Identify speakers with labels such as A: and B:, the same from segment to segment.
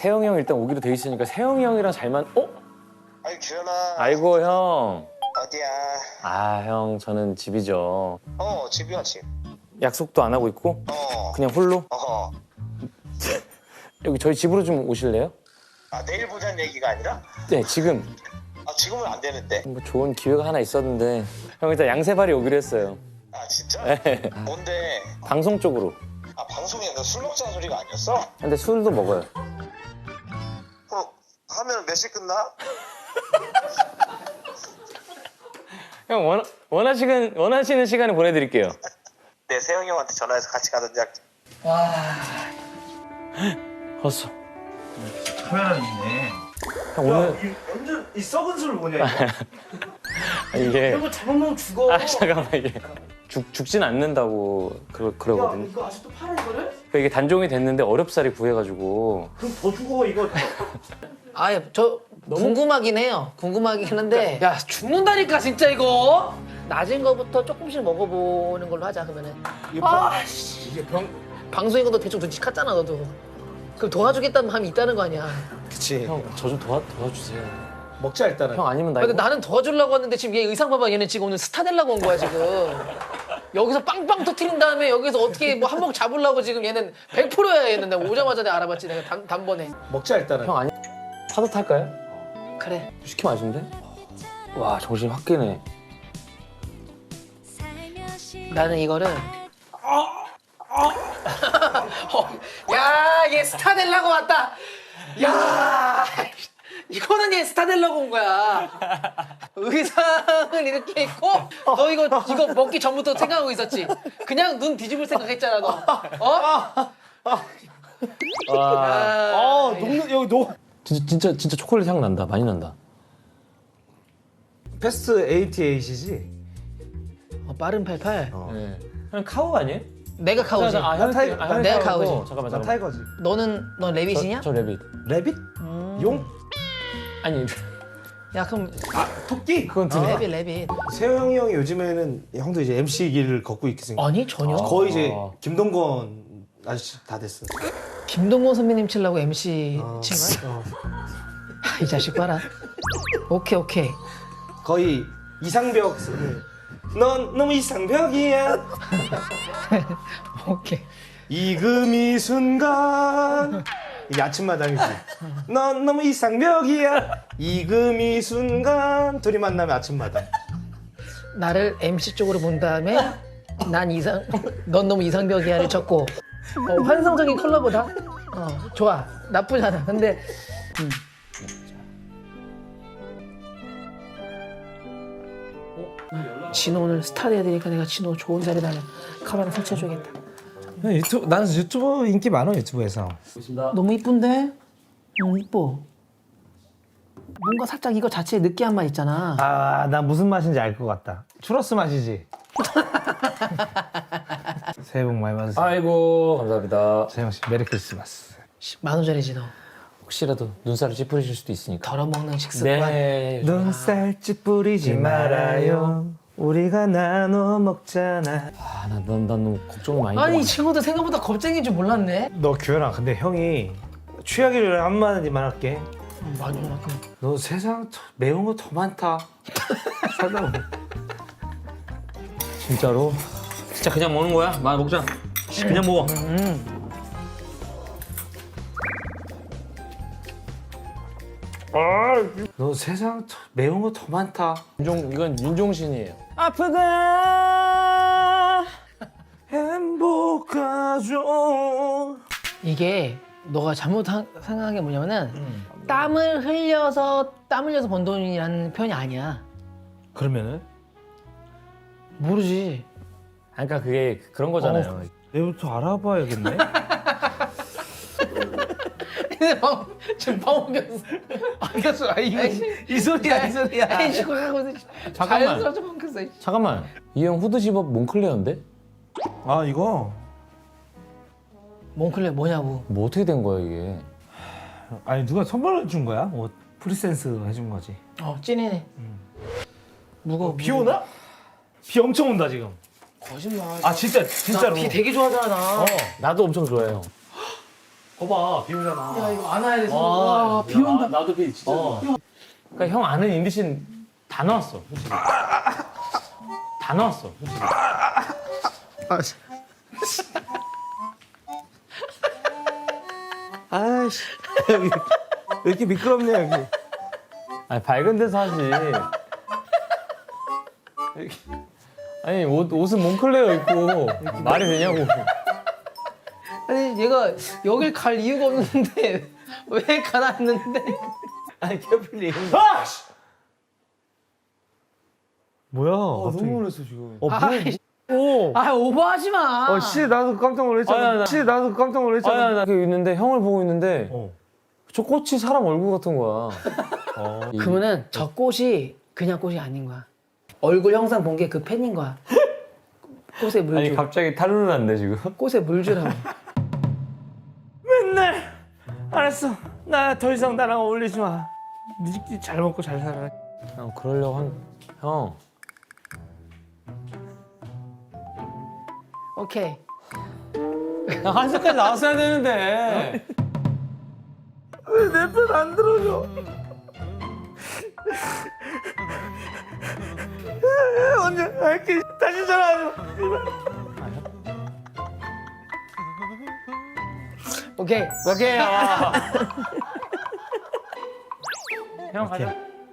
A: 세영이 형 일단 오기로 돼 있으니까 세영이 형이랑 잘만. 어?
B: 아이 규현아.
A: 아이고 형.
B: 어디야?
A: 아 형 저는 집이죠.
B: 집이야 집.
A: 약속도 안 하고 있고 그냥 홀로. 여기 저희 집으로 좀 오실래요?
B: 아 내일 보자는 얘기가 아니라?
A: 네 지금.
B: 아 지금은 안 되는데.
A: 뭐 좋은 기회가 하나 있었는데 형 일단 양세발이 오기로 했어요.
B: 아 진짜?
A: 네.
B: 뭔데?
A: 방송 쪽으로.
B: 아 방송에 술 먹자는 소리가 아니었어?
A: 근데 술도 먹어요.
B: 하면 몇 시 끝나?
A: 형 원하시는 시간에 보내드릴게요.
B: 내 세영이 형한테 전화해서 같이 가든지 할게.
A: 헛소.
C: 카메라 있네.
A: 형 오늘
C: 이 완전 이 썩은 술 뭐냐 이거?
A: 이게
C: 이거 잘못 먹으면 죽어.
A: 아 잠깐만 이게 죽진 않는다고 그러거든요.
C: 이거 아직도 팔아 이거를?
A: 그러니까 이게 단종이 됐는데 어렵사리 구해가지고.
C: 그럼 더 죽어 이거.
D: 아, 저 궁금하긴 해요. 궁금하긴 한데 야 죽는다니까 진짜 이거. 낮은 거부터 조금씩 먹어보는 걸로 하자 그러면은. 아씨
C: 이게 병.
D: 방송인 것도 대충 눈치 깠잖아 너도. 그럼 도와주겠다는 마음이 있다는 거 아니야.
C: 그치.
A: 형 저 좀 도와주세요.
C: 먹자 일단은.
A: 형 아니면 나
D: 근데
A: 이거
D: 나는 도와주려고 왔는데 지금 얘 의상 봐봐. 얘는 지금 오늘 스타 되려고 온 거야 지금. 여기서 빵빵 터트린 다음에 여기서 어떻게 뭐 한몫 잡으려고 지금 얘는 100%야 얘는. 내가 오자마자 내가 알아봤지 내가 단번에.
C: 먹자 일단은.
A: 형 아니 파도 탈까요?
D: 그래.
A: 시키면 아신데? 와 정신 확 깨네.
D: 나는 이거를 야, 얘 스타 되려고 왔다. 야, 이거는 얘 스타 되려고 온 거야. 의상을 이렇게 입고 너 이거 먹기 전부터 생각하고 있었지. 그냥 눈 뒤집을 생각했잖아 너. 어?
A: 와
C: 녹는 여기 녹.
A: 진짜 초콜릿 향 난다. 많이 난다.
C: 패스트 88이지?
D: 빠른 88.
A: 네. 형 카우 아니에요?
D: 내가 카우지.
C: 난 타이거.
A: 형이
D: 내가
A: 카우고.
D: 카우지.
A: 잠깐만
C: 난 타이거지.
D: 넌 레빗이냐?
A: 저 레빗.
C: 레빗? 용?
A: 아니
D: 야 그럼
C: 토끼?
A: 그건 드네.
D: 레빗.
C: 세영이 형이 요즘에는 형도 이제 MC 길을 걷고 있게 생겼어.
D: 아니 전혀.
C: 거의 이제 김동건 아저씨 다 됐어.
D: 김동건 선배님 치려고 MC 친 거야?
C: 어.
D: 아, 이 자식 봐라. 오케이.
C: 거의 이상벽. 넌 너무 이상벽이야.
D: 오케이.
C: 이금이 순간. 이게 아침마당이지. 넌 너무 이상벽이야. 이금이 순간. 둘이 만나면 아침마당.
D: 나를 MC 쪽으로 본 다음에 넌 너무 이상벽이야를 쳤고 환상적인 컬러보다 좋아 나쁘지 않아. 근데 진호 오늘 스타 돼야 되니까 내가 진호 좋은 자리에다 카메라 설치해줘야겠다.
C: 나는 유튜브 인기 많아 유튜브에서.
D: 너무 이쁜데? 너무 이뻐. 뭔가 살짝 이거 자체에 느끼한 맛 있잖아.
C: 아, 나 무슨 맛인지 알 것 같다. 추러스 맛이지. 새해 복 많이 받으세요.
A: 아이고 감사합니다.
C: 세영 씨 메리 크리스마스.
D: 10,000원짜리지 너.
A: 혹시라도 눈살을 찌푸리실 수도 있으니까.
D: 덜어먹는 식습관.
A: 네.
C: 눈살집 뿌리지 말아요. 우리가 나눠 먹잖아.
A: 아난 너무 걱정을 많이.
D: 아니 이
A: 해.
D: 친구들 생각보다 겁쟁이인 줄 몰랐네.
C: 너 규현아, 근데 형이 취하기를 한마디만 할게.
D: 많이 올랐고.
C: 너 세상 매운 거 더 많다. 살다 보면.
A: 진짜로? 진짜 그냥 먹는 거야? 먹자. 그냥 먹어.
C: 너 세상 매운 거 더 많다.
A: 이건 윤종신이에요.
C: 아프가 행복하죠.
D: 이게 너가 생각한 게 뭐냐면은 땀을 흘려서 번 돈이라는 표현이 아니야.
C: 그러면은
D: 모르지.
A: 그러니까 그게 그런 거잖아요.
C: 내일부터 알아봐야겠네.
D: 지금 방송에서
C: 알겠어. 이 소리야, 이 소리야.
D: 해주고 하고
A: 잠깐만.
D: 자연스럽게 방송했어.
A: 잠깐만. 이 형 후드 집업 몽클레어인데?
C: 아, 이거
D: 몽클레 뭐냐고.
A: 뭐 어떻게 된 거야 이게?
C: 아니 누가 선물을 준 거야? 뭐 프리센스 해준 거지.
D: 찐이네. 무거워.
C: 비 오나? 비 엄청 온다 지금.
D: 거짓말.
C: 아 진짜로.
D: 비 되게 좋아하잖아. 나.
A: 나도 엄청 좋아해요.
C: 거봐 비 오잖아.
D: 야 이거 안아야 돼.
C: 아,
D: 와, 비 온다.
C: 나도 비 진짜.
A: 그러니까 형 아는 인디신 다 나왔어. 솔직히. 다 나왔어. 솔직히.
C: 아이씨 여기 왜 이렇게 미끄럽냐 여기.
A: 아니 밝은 데서 하지. 아니 옷은 몽클레어 입고 말이 되냐고.
D: 아니 얘가 여길 갈 이유가 없는데 왜 가놨는데?
C: 아니 캐플리. 뭐야?
A: 너무 놀랐어 지금.
C: 오.
D: 아 오버하지 마.
C: 씨 나도 깜짝 놀랐잖아. 씨 나도 깜짝 놀랐잖아.
A: 아니 나 이렇게 있는데 형을 보고 있는데
C: 어.
A: 저 꽃이 사람 얼굴 같은 거야.
D: 그러면은 저 꽃이 그냥 꽃이 아닌 거야. 얼굴 형상 본 게 그 팬인 거야. 꽃에 물
A: 아니
D: 주.
A: 갑자기 탈루는 난데 지금.
D: 꽃에 물 주라고.
C: 맨날 알았어. 나 더 이상 나랑 어울리지 마. 니끼리 잘 먹고 잘 살아.
A: 형 그러려고 형.
D: 오케이.
A: 형 한숨까지 나왔어야 되는데.
C: 왜 내 편 안 들어줘? 언제 할게. 다시 전화하지 마.
D: 오케이.
A: 오케이. 형 가자.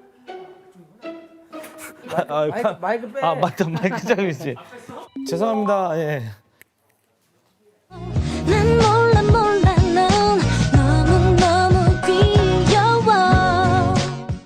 D: 마이크 빼.
C: 아 맞다 마이크 잡고 있지. 죄송합니다. 예.
E: 난